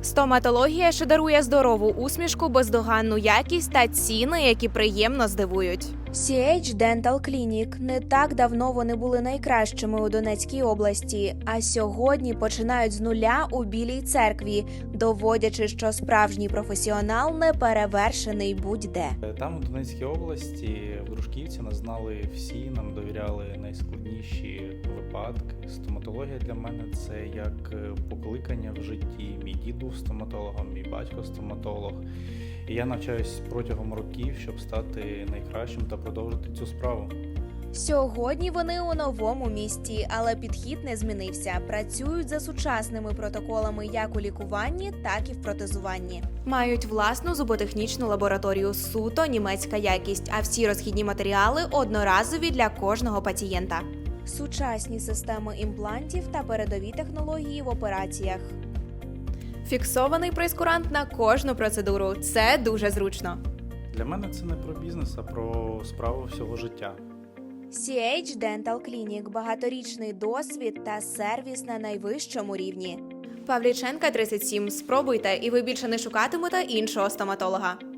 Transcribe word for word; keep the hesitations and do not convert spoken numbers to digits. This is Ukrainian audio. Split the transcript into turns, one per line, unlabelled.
Стоматологія, що дарує здорову усмішку, бездоганну якість та ціни, які приємно здивують.
сі ейч Dental Clinic. Не так давно вони були найкращими у Донецькій області, а сьогодні починають з нуля у Білій церкві, доводячи, що справжній професіонал не перевершений будь-де.
Там, у Донецькій області, в Дружківці нас знали всі, нам довіряли найскладніші випадки. Стоматологія для мене – це як покликання в житті. Мій дід був стоматологом, мій батько стоматолог. І я навчаюсь протягом років, щоб стати найкращим та продовжити цю справу.
Сьогодні вони у новому місті, але підхід не змінився. Працюють за сучасними протоколами як у лікуванні, так і в протезуванні.
Мають власну зуботехнічну лабораторію, суто німецька якість, а всі розхідні матеріали одноразові для кожного пацієнта.
Сучасні системи імплантів та передові технології в операціях.
Фіксований прейскурант на кожну процедуру. Це дуже зручно.
Для мене це не про бізнес, а про справу всього життя.
сі ейч Dental Clinic – багаторічний досвід та сервіс на найвищому рівні.
Павліченка, тридцять сім. Спробуйте, і ви більше не шукатимете іншого стоматолога.